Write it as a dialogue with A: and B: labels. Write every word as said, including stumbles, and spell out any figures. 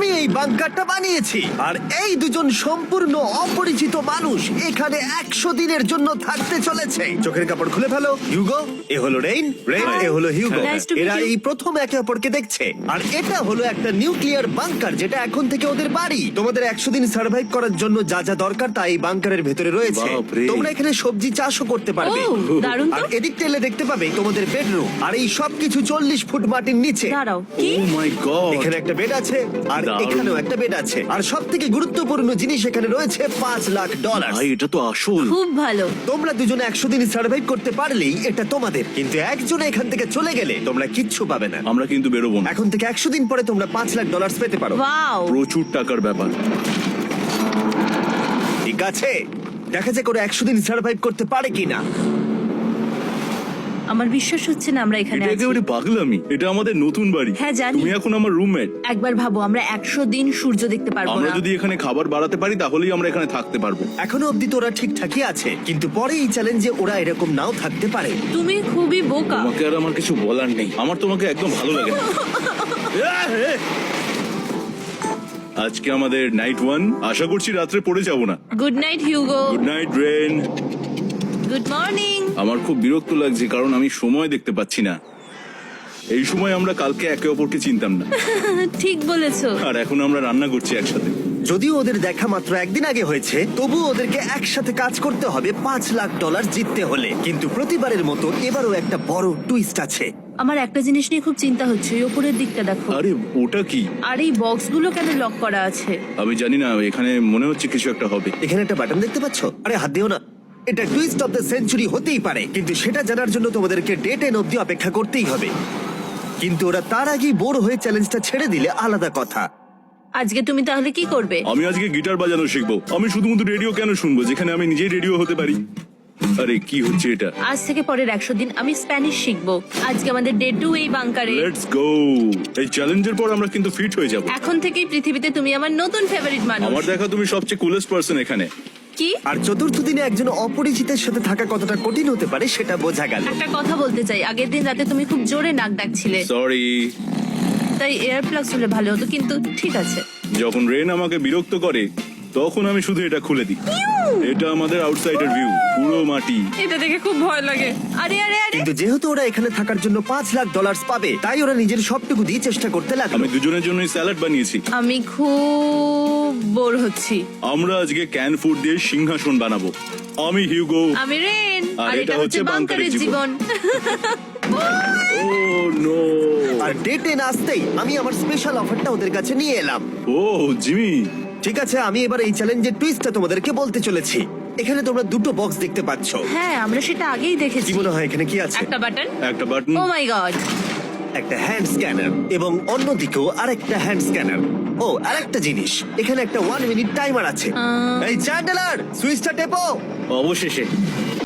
A: আমি এই বাংকারটা বানিয়েছি আর এই দুজন সম্পূর্ণ অপরিচিত মানুষ এখানে একশো দিনের জন্য থাকতে চলেছে। চোখের কাপড় খুলে ফেলো। হিউগো, এ হলো রেইন, রেইন এ হলো হিউগো।
B: Nice to meet
A: এরা
B: you.
A: এই প্রথম একে অপরকে দেখছে। আর এটা হলো একটা নিউক্লিয়ার বাংকার যেটা এখন থেকে ওদের বাড়ি। তোমাদের একশো দিন সার্ভাইভ করার জন্য যা যা দরকার তা এই বাংকারের ভেতরে রয়েছে।
C: বাপরে।
A: তোমরা এখানে সবজি চাষও করতে পারবে।
B: ও, দারুণ তো।
A: আর এদিক টেলে দেখতে পাবে তোমাদের বেডরুম। আর এই সবকিছু চল্লিশ ফুট মাটির নিচে।
B: দাঁড়াও, কি?
C: Oh my god.
A: এখানে একটা বেড আছে আর
C: দারুণ।
A: এখানেও একটা বেড আছে। আর সব থেকে গুরুত্বপূর্ণ জিনিস এখানে রয়েছে পাঁচ লাখ ডলার।
C: ভাই এটা তো আসল।
B: খুব ভালো।
A: তোমরা দুজনে একশো দিন সার্ভাইভ করতে পারলেই এটা তোমাদের, কিন্তু একজন এখান থেকে চলে গেলে তোমরা কিচ্ছু পাবে না।
C: আমরা কিন্তু বেরোবো না।
A: এখন থেকে একশো দিন পরে তোমরা পাঁচ লাখ ডলার পেতে পারো।
B: ওয়াও।
C: প্রচুর টাকার ব্যাপার।
A: ঠিক আছে, দেখা যাক ওরা একশো দিন সার্ভাইভ করতে পারে কিনা।
B: আমার বিশ্বাস হচ্ছে না আমরা এখানে
C: এটা
B: আছি।
C: একেবারে পাগলামি। এটা আমাদের নতুন বাড়ি।
B: হ্যাঁ, জানি।
C: তুমি এখন আমার রুমমেট।
B: একবার ভাবো, আমরা একশো দিন সূর্য দেখতে পারবো
C: আমরা
B: না।
C: যদি এখানে খাবার বাড়াতে পারি তাহলেই আমরা এখানে থাকতে পারবো।
A: এখনো অব্দি তো ওরা ঠিকঠাকই আছে, কিন্তু পরে এই চ্যালেঞ্জে ওরা এরকম নাও থাকতে পারে।
B: তুমি খুবই বোকা।
C: তোমাকে আর আমার কিছু বলার নেই। আমার তোমাকে একদম ভালো লাগে না। আজকে আমাদের নাইট ওয়ান। আশা করছি রাত্রে পড়ে যাব না।
B: Good night Hugo.
C: Good night Ren.
B: Good morning.
C: আমার খুব বিরক্ত লাগছে কারণ আমি সময় দেখতে পাচ্ছি না। এই সময় আমরা কালকে একে অপরকে চিনতাম না,
B: ঠিক বলেছো।
C: আর এখন আমরা রান্না করছি একসাথে।
A: যদিও ওদের দেখা মাত্র একদিন আগে হয়েছে, তবু ওদেরকে একসাথে কাজ করতে হবে পাঁচ লাখ ডলার জিততে হলে। কিন্তু প্রতিবারের মতো এবারও একটা বড় টুইস্ট আছে।
B: আমার একটা জিনিস নিয়ে খুব চিন্তা হচ্ছে, ওই উপরের দিকটা দেখো।
C: আরে ওটা কি?
B: আর এই বক্সগুলো কেন লক করা আছে?
C: আমি জানি না, এখানে মনে হচ্ছে কিছু একটা হবে।
A: এখানে একটা বাটন দেখতে পাচ্ছ? আরে হাত দিও না। এটা টুইস্ট অফ দ্য সেঞ্চুরি হতেই পারে, কিন্তু সেটা জানার জন্য তোমাদেরকে ডে টেন অব্দি অপেক্ষা করতেই হবে। কিন্তু ওরা তার আগেই বোর হয়ে চ্যালেঞ্জটা ছেড়ে দিলে আলাদা কথা।
B: আজকে তুমি তাহলে কি করবে?
C: আমি আজকে গিটার বাজানো শিখবো। আমি শুধুমাত্র রেডিও কেন শুনবো যেখানে আমি নিজেই রেডিও হতে পারি? আরে কি হচ্ছে এটা?
B: আজ থেকে পরের একশো দিন আমি স্প্যানিশ শিখবো। আজকে আমাদের ডে টু এই বাংকারে।
C: Let's go. এই চ্যালেঞ্জের পর আমরা কিন্তু ফিট হয়ে যাব।
B: এখন থেকেই পৃথিবীতে তুমি আমার নতুন ফেভারিট মানুষ।
C: আমার দেখা তুমি সবচেয়ে কুলেস্ট পারসন এখানে।
B: কি?
A: আর চতুর্থ দিনে একজন অপরিচিতের সাথে থাকা কতটা কঠিন হতে পারে সেটা বোঝা গেল।
B: একটা কথা বলতে চাই, আগের দিন রাতে তুমি খুব জোরে নাক ডাকছিলে,
C: সরি।
B: তাই এয়ার প্লাগস হলে ভালো হতো, কিন্তু ঠিক আছে।
C: যখন রেন আমাকে বিরক্ত করে তখন আমি শুধু এটা খুলে দিই। এটা আমাদের আউটসাইডার ভিউ, পুরো মাটি।
B: এটা দেখে খুব ভয় লাগে। আরে আরে আরে
A: কিন্তু যেহেতু ওরা এখানে থাকার জন্য পাঁচ লাখ ডলার পাবে, তাই ওরা নিজের সবটুকু দিয়ে চেষ্টা করতে লাগলো।
C: আমি দুজনের জন্যই স্যালাড বানিয়েছি।
B: আমি খুব বোর হচ্ছি।
C: আমরা আজকে ক্যান ফুড দিয়ে সিংহাসন বানাবো। আমি হিউগো।
B: আমি রেন,
C: আর
B: আর
C: এটা
B: এটা হচ্ছে
C: হচ্ছে
B: বাংকারের
C: বাংকারের
B: জীবন।
C: Oh no.
A: আর ডে টেন আসতেই আমি আমার স্পেশাল অফারটা ওদের কাছে নিয়ে এলাম।
C: Oh Jimmy.
A: ঠিক আছে, আমি এবার এই চ্যালেঞ্জের টুইস্টটা তোমাদেরকে বলতে চলেছি। এখানে তোমরা দুটো বক্স দেখতে পাচ্ছ।
B: হ্যাঁ, আমরা সেটা আগেই দেখেছি।
A: কি মনে হয় এখানে কি আছে?
B: একটা বাটন।
C: একটা বাটন।
B: Oh my god.
A: একটা হ্যান্ড স্ক্যানার এবং অন্যদিকেও আরেকটা হ্যান্ড স্ক্যানার। ও আরেকটা জিনিস, এখানে একটা ওয়ান মিনিট টাইমার আছে।
B: আহ।
A: এই চ্যান্ডেলার, সুইচটা টেপো।
C: অবশেষে।